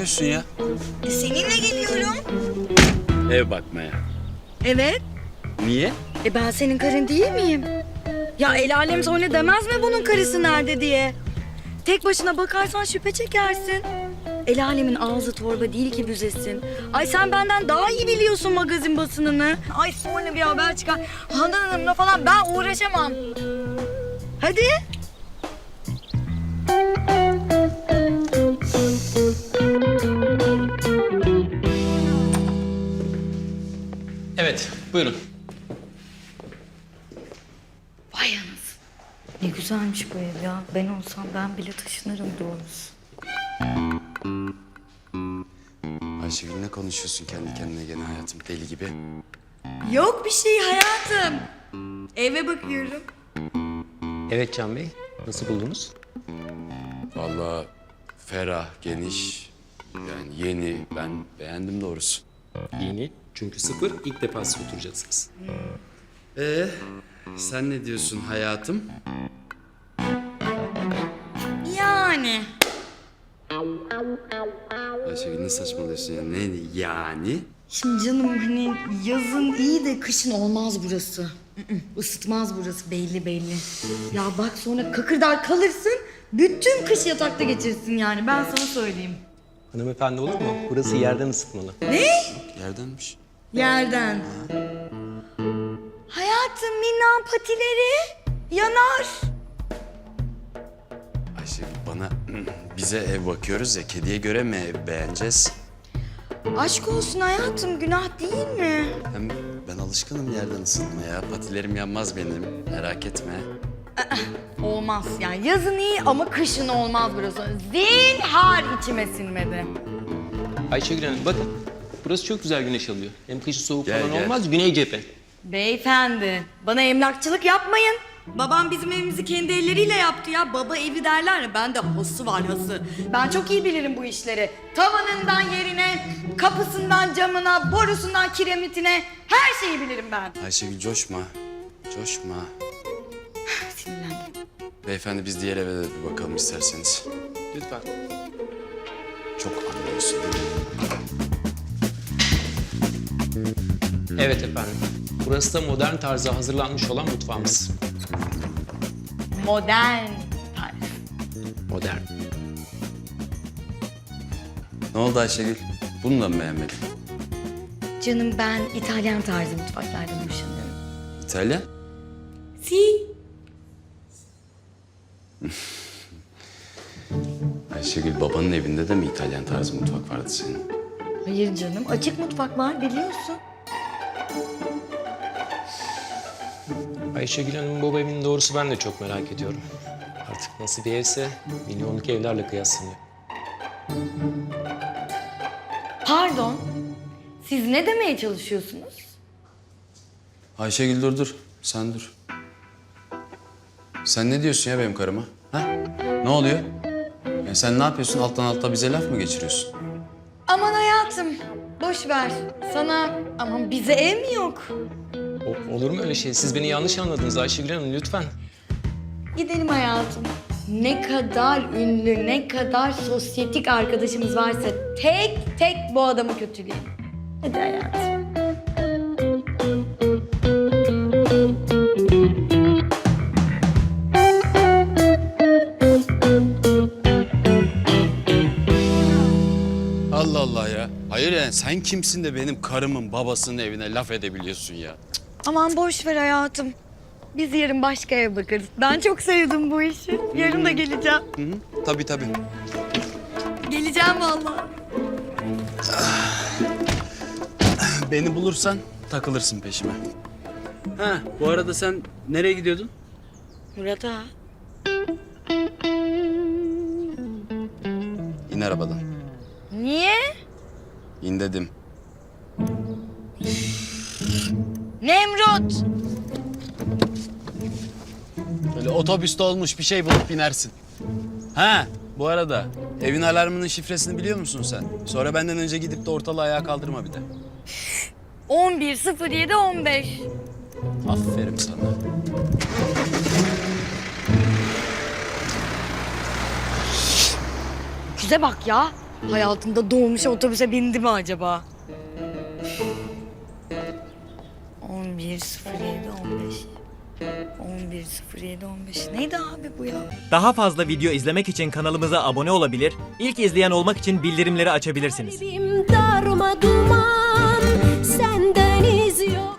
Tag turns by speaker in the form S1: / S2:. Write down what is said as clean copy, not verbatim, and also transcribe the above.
S1: yapıyorsun ya?
S2: Seninle geliyorum.
S1: Ev bakmaya.
S2: Evet.
S1: Niye?
S2: Ben senin karın değil miyim? Ya el alem sonra demez mi bunun karısı nerede diye? Tek başına bakarsan şüphe çekersin. El alemin ağzı torba değil ki büzesin. Ay sen benden daha iyi biliyorsun magazin basınını. Ay sonra bir haber çıkar. Handan Hanım'la falan ben uğraşamam. Hadi.
S3: Evet, buyurun.
S2: Vay anasını. Ne güzelmiş bu ev ya. Ben olsam ben bile taşınırım doğrusu.
S1: Ayşegül ne konuşuyorsun kendi kendine gene hayatım deli gibi?
S2: Yok bir şey hayatım. Eve bakıyorum.
S3: Evet Can Bey, nasıl buldunuz?
S1: Vallahi ferah, geniş, yani yeni. Ben beğendim doğrusu.
S3: Yeni, çünkü sıfır, ilk defa siz oturacaksınız.
S1: Sen ne diyorsun hayatım?
S2: Yani.
S1: Ayşegül ne saçmalıyorsun ya? Ne yani?
S2: Şimdi canım hani yazın iyi de kışın olmaz burası. Isıtmaz burası belli belli. Ya bak sonra kakırdar kalırsın. Bütün kış yatakta geçirsin yani ben sana söyleyeyim.
S3: Hanımefendi olur mu? Burası yerden ısıtmalı.
S1: Yerdenmiş.
S2: Yerden. Hayatım minnan patileri yanar.
S1: Ayşegül bana bize ev bakıyoruz ya, kediye göre mi ev beğeneceğiz?
S2: Aşk olsun hayatım günah değil mi?
S1: Hem ben alışkınım yerden ısıtmaya. Patilerim yanmaz benim, merak etme.
S2: Olmaz yani yazın iyi ama kışın olmaz burası. Zinhar içime sinmedi.
S3: Ayşegül Hanım bakın, burası çok güzel güneş alıyor. Hem kışı soğuk
S1: Gel,
S3: falan
S1: gel.
S3: olmaz, güney cephe.
S2: Beyefendi, bana emlakçılık yapmayın. Babam bizim evimizi kendi elleriyle yaptı ya. Baba evi derler ya, bende hası var hası. Ben çok iyi bilirim bu işleri. Tavanından yerine, kapısından camına, borusundan kiremitine her şeyi bilirim ben.
S1: Ayşegül coşma, coşma.
S2: Sinirlendim.
S1: Beyefendi biz diğer eve de bir bakalım isterseniz.
S3: Lütfen.
S1: Çok anlıyorsun değil mi?
S3: Evet efendim. Burası da modern tarzda hazırlanmış olan mutfağımız.
S2: Modern tarz.
S3: Modern.
S1: Ne oldu Ayşegül? Bunu da mı beğenmedin?
S2: Canım ben İtalyan tarzı mutfaklardan hoşlanıyorum.
S1: İtalyan?
S2: Si.
S1: Ayşegül babanın evinde de mi İtalyan tarzı mutfak vardı senin?
S2: Hayır canım açık mutfak var biliyorsun.
S3: Ayşegül Hanım'ın baba evinin doğrusu ben de çok merak ediyorum. Artık nasıl bir evse milyonluk evlerle kıyaslanıyor.
S2: Pardon. Siz ne demeye çalışıyorsunuz?
S1: Ayşegül dur. Sen dur. Sen ne diyorsun ya benim karıma? Ha? Ne oluyor? Ya sen ne yapıyorsun? Alttan alta bize laf mı geçiriyorsun?
S2: Aman hayatım, boş ver. Sana aman bize ev mi yok?
S3: Olur mu öyle şey? Siz beni yanlış anladınız Ayşegül Hanım lütfen.
S2: Gidelim hayatım. Ne kadar ünlü, ne kadar sosyetik arkadaşımız varsa tek tek bu adamı kötüleyelim. Hadi hayatım.
S1: Allah Allah ya. Hayır yani sen kimsin de benim karımın babasının evine laf edebiliyorsun ya?
S2: Aman boş ver hayatım. Biz yarın başka ev bakarız. Ben çok sevdim bu işi. Yarın da geleceğim.
S1: Hı hı. Tabii tabii.
S2: Geleceğim vallahi.
S1: Beni bulursan takılırsın peşime. Ha, bu arada sen nereye gidiyordun?
S2: Murat'a.
S1: İn arabadan.
S2: Niye?
S1: İn dedim.
S2: Nemrut.
S1: Böyle otobüste olmuş bir şey bulup binersin. Ha, bu arada evin alarmının şifresini biliyor musun sen? Sonra benden önce gidip de ortalığı ayağa kaldırma bir de.
S2: 11.07.15.
S1: Aferin sana.
S2: Güze bak ya. Hayatında dolmuş otobüse bindi mi acaba? 11.07.15 11.07.15 neydi abi bu ya?
S4: Daha fazla video izlemek için kanalımıza abone olabilir, ilk izleyen olmak için bildirimleri açabilirsiniz.
S5: Kalbim darma duman, senden iz yok.